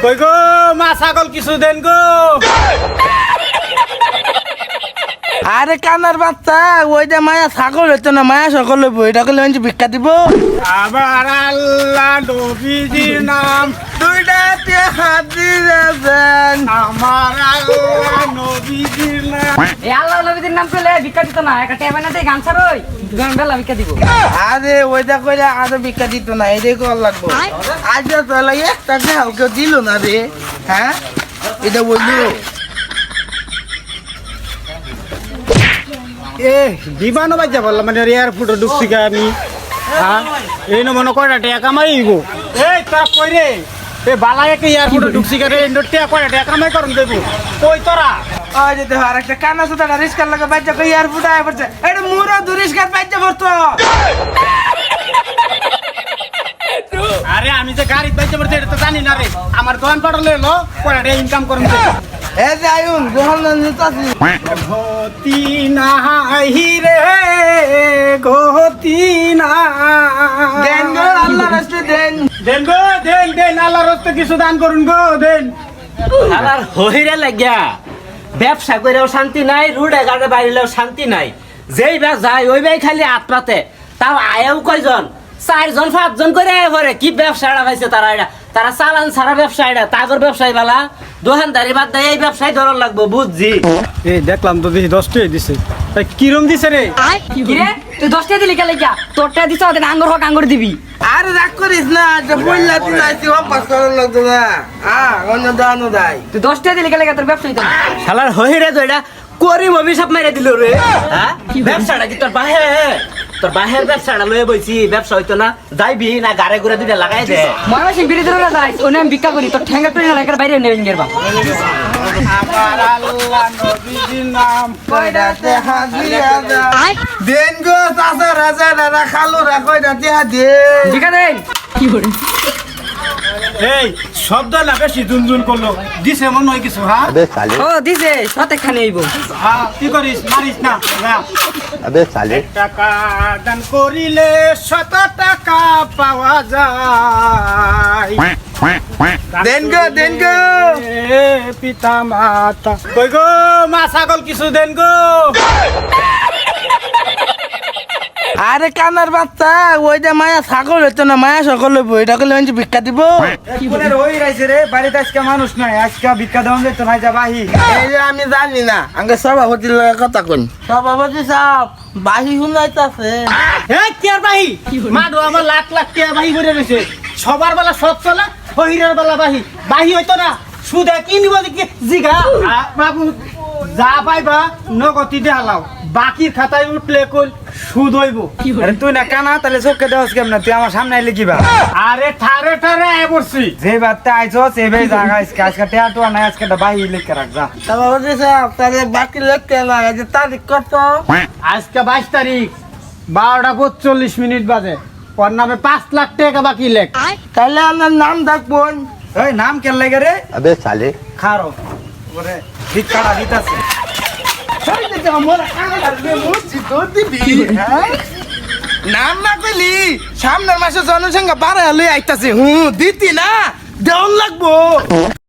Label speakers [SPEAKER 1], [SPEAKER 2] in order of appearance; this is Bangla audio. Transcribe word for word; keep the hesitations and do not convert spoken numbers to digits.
[SPEAKER 1] কই গো মা ছাগল কিছু দেন গো।
[SPEAKER 2] আরে কানার বাচ্চা ওইটা মায়া ছাগল হইতো না, মায়া সকল হইব, এটা করলে মানুষ ভিক্ষা দিব।
[SPEAKER 1] আবার আল্লাহ নবীজির নাম
[SPEAKER 2] দুইটা হাত দিয়েছেন
[SPEAKER 1] আমার আল্লাহ নবীজির নাম।
[SPEAKER 3] এই আল্লাহ নবীদের নাম পেলে ভিক্ষা দিত না, একটা টেবে না দিয়ে গান ছাড়ই গান বেলা ভিক্ষা দিব।
[SPEAKER 2] আরে ওইটা কইলে আরো ভিক্ষা দিত না, এটাই কর লাগবো। আজ তো লাগে একটা হালকা দিল না রে। হ্যাঁ এটা বললো
[SPEAKER 1] এ বিমানও বাজা বললাম মানে এয়ারপোর্টে ঢুকছি কে আমি। হ্যাঁ এই না মনে কয়টা টাকা কামাইব। এই তোরা কই রে এ বালা একটা এয়ারপোর্টে ঢুকছি কে রে টাকা কয়টা টাকা কামাই করুন দেবো কই তোরা।
[SPEAKER 2] ওই যে দেখো আর একটা কানা সুতা রিস্কার লাগে বাচ্চা কই এয়ারপোর্টে আয় পড়ছে, এটা মুরা দুরিস্কার বাচ্চা পড়তো।
[SPEAKER 1] আরে আমি যে গাড়ি বাইতে পড়ছি এটা তো জানি না রে, আমার দোকান পাড়লে এলো কয়টা টাকা ইনকাম করুন দেবো।
[SPEAKER 2] এ যে আয়ুন গোহল নিতাছি
[SPEAKER 1] গতি নাহি রে গতি না
[SPEAKER 2] দেন গো আল্লাহ রাস্তে দেন
[SPEAKER 1] দেন গো দেন দেন আল্লাহর রাস্তে কিছু দান করুন গো দেন।
[SPEAKER 4] আবার হইরে লাগিয়া ব্যবসা করেও শান্তি নাই, রুডে গাড়ে বাইরেও শান্তি নাই। যেই বা যায় ওই বাই খালি আত্মাতে, তাও আয়েও কয়জন চারজন পাঁচজন করে আয় পরে কি ব্যবসাটা পাইছে তারা। এটা তারা চালান সারা ব্যবসা, এটা তাগর ব্যবসায়ী বালা দোকানদারি বাদ দেয় এই ব্যবসায় ধরার লাগবো বুঝছি।
[SPEAKER 1] এই দেখলাম তো দেখি দশটাই দিছে, তাই কিরম দিছে রে।
[SPEAKER 3] কি রে তুই দশটা দিলি কে লাগিয়া, তোরটা দিছ ওদের আঙ্গুর হোক আঙ্গুর দিবি।
[SPEAKER 2] আরে রাগ করিস না, যে বললা তুই আইছি অভ্যাস করার লাগতো না। হ্যাঁ অন্য দানো দাই
[SPEAKER 3] তুই দশটা দিলি কে লাগিয়া তোর ব্যবসা হইতো না।
[SPEAKER 4] শালার হইরে তো এটা করিম অভিশাপ মাইরে দিল রে। হ্যাঁ ব্যবসাটা কি তোর বাহে, তোর বাহের ব্যবসাটা লয়ে বইছি, ব্যবসা হইতো না যাইবি না গাড়ে ঘুরে দুইটা লাগাই দে।
[SPEAKER 3] ময়মনসিং বিরোধীরা যাই ওনে আমি ভিক্ষা করি, তোর ঠ্যাঙ্গা টুই না লাগার বাইরে নেবেন গেরবা।
[SPEAKER 1] আমার আল্লাহ নবীজির নাম
[SPEAKER 2] কয়টাতে হাজিরা দা দেন গো চাচা রাজা দাদা খালু রা কয়টাতে হাজিয়ে
[SPEAKER 3] ভিক্ষা দেন কি করে।
[SPEAKER 1] এই শব্দ না বেশি দুনদুন করলো দিছে মনে হয় কিছু। হ্যাঁ
[SPEAKER 5] अबे साले
[SPEAKER 3] ও দিছে সতে খানে আইব।
[SPEAKER 1] হ্যাঁ কি করিস মারিস না যা।
[SPEAKER 5] अबे साले
[SPEAKER 1] টাকা দান করিলে শত টাকা পাওয়া যায়।
[SPEAKER 2] দেন গো দেন গো
[SPEAKER 1] এ পিতা মাতা কই গো মা ছাগল কিছু দেন গো।
[SPEAKER 2] আরে কানার বাচ্চা ওইটা মায়া ছাগল হইতো না, মায়া সকল হইব, এটা করলে মানুষ ভিক্ষা দিব।
[SPEAKER 1] কোনের ওই রাইছে রে বাড়িতে আজকে মানুষ নাই, আজকে ভিক্ষা দেওয়া যেত না যা বাহি।
[SPEAKER 2] এই যে আমি জানি না, আগে সভাপতির লগে কথা কই। সভাপতি সাহেব বাহি শুনাইতাছে।
[SPEAKER 1] এ কি আর বাহি মাডো আমার লাখ লাখ টাকা বাহি করে রয়েছে, সবার বেলা সব চলা হইরের বেলা বাহি বাহি হইতো না। সুদে কি নিব দেখি জিগা আ, বাবু যা পাইবা নগতি দেখালাও, বাকির খাতায় উঠলে কই সুদ হইব।
[SPEAKER 6] আরে তুই না কানা তাহলে চোখকে দেওয়াস কেমন, তুই আমার সামনে আইলে কিবা
[SPEAKER 1] আরে ঠারে ঠারে আয় পড়ছি।
[SPEAKER 6] যে বাদতে আইছো সে ভাই জায়গা আজকে আজকে টেয়াটু নাই, আজকে বাহি লিখে রাখ যা।
[SPEAKER 2] সভাপতি সাহেব তাহলে বাকি লোককে লাগে যে তারিখ কত?
[SPEAKER 1] আজকে বাইশ তারিখ বারোটা পঁচল্লিশ মিনিট বাজে, ওর নামে পাঁচ লাখ টাকা বাকি লেখ।
[SPEAKER 2] তাহলে আপনার নাম ডাকবেন।
[SPEAKER 6] ওই নাম কেন লাগে রে
[SPEAKER 5] अबे साले
[SPEAKER 6] খারো ওরে ভিক্ষাটা দিতাছে।
[SPEAKER 2] নাম না কইলি সামনের মাসে জনসংখ্যা বাড়ায় লই আইতাছে, হুঁ দিতি না দেওয়ান লাগবো।